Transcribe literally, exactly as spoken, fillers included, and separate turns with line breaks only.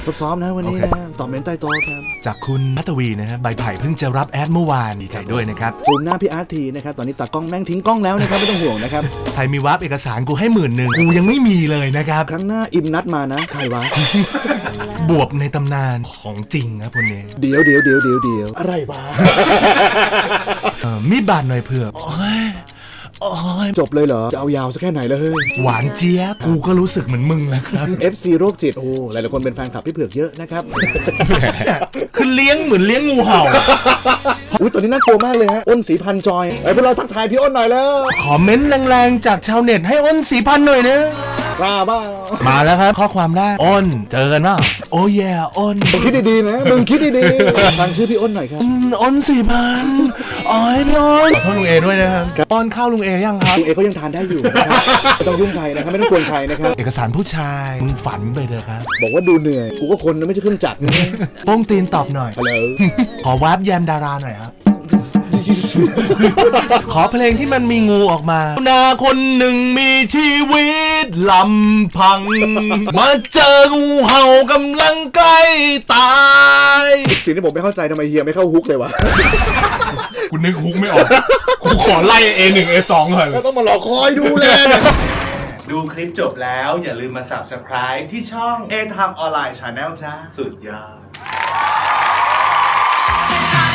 ซ้อมๆนะวันนี้นะตอบเมนใต้โต๊ะครับ
จากคุณพัทวีนะฮะใบไผ่เพิ่งจะรับแอดเมื่อวานดีใจด้วยนะครับ
ซูมหน้าพี่อาร์ตทีนะครับตอนนี้ตากล้องแม่งทิ้งกล้องแล้วนะครับไม่ต้องห่วงนะครับ
ใครมีวาร์ปเอกสารกูให้หมื่นหนึ่งกูยังไม่มีเลยนะครับ
ครั้งหน้าอิมนัดมานะใครวะ
บวบในตำนานของจริงครับคนนี้
เดี๋ยวเดี๋ยวเดี๋ยวเดี๋ยวเดี๋ยวอะไรวะ
เออมีบาดหน่อยเผื่อโอ้ยโอ้ย
จบเลยเหรอจะเอายาวสักแค่ไหนเลย
หวานเจี๊ยบกูก็รู้สึกเหมือนมึงแล้วครับ
เอฟ ซี โรคจิตโอ้หลายๆคนเป็นแฟนคลับพี่เผือกเยอะนะครับ
คือเลี้ยงเหมือนเลี้ยงงูเห่า
อุ้ยตอนนี้น่ากลัวมากเลยฮะอ้นสีพันจอยไอ้พวกเราทักทายพี่อ้นหน่อยแล้ว
ขอเม้นต์แรงๆจากชาวเน็ตให้อ้นสีพันหน่อยนะ
กล้าบ้า
มาแล้วครับข้อความแรกอ้นเจอกันป่ะโอ้ยอ้น
มึงคิดดีๆนะมึงคิดดีๆฟังชื่อพี่อ้นหน่อยครับ
อ้นสี่พันอ๋อพี่อ้นขอโทษลุงเอด้วยนะครับป้อนข้าวลุงเอยังครับ
ลุงเอก็ยังทานได้อยู่นะครับไม่ต้องยุ่งใครนะครับไม่ต้องกวนใครนะครับ
เอกสารผู้ชายมึงฝันไปเถอะครับ
บอกว่าดูเหนื่อยกูก็คนนะไม่ใช่เครื่องจักรนะ
โป้งตีนตอบหน่อย
ฮัลโหล
ขอวาร์ปแยมดาราหน่อยครับขอเพลงที่มันมีงูออกมานาคนหนึ่งมีชีวิตลำพังมาเจองูเห่ากำลังใกล้ตาย
สิ่งที่ผมไม่เข้าใจทำไมเฮียไม่เข้าฮุกเลยวะ
กูนึกฮุกไม่ออกกูขอไล่ เอ หนึ่ง เอ สอง ก่อน
แล้วต้องมารอคอยดูแล
ดูคลิปจบแล้วอย่าลืมมา ซับสไครบ์ ที่ช่อง A Time Online Channel จ้าสุดยอด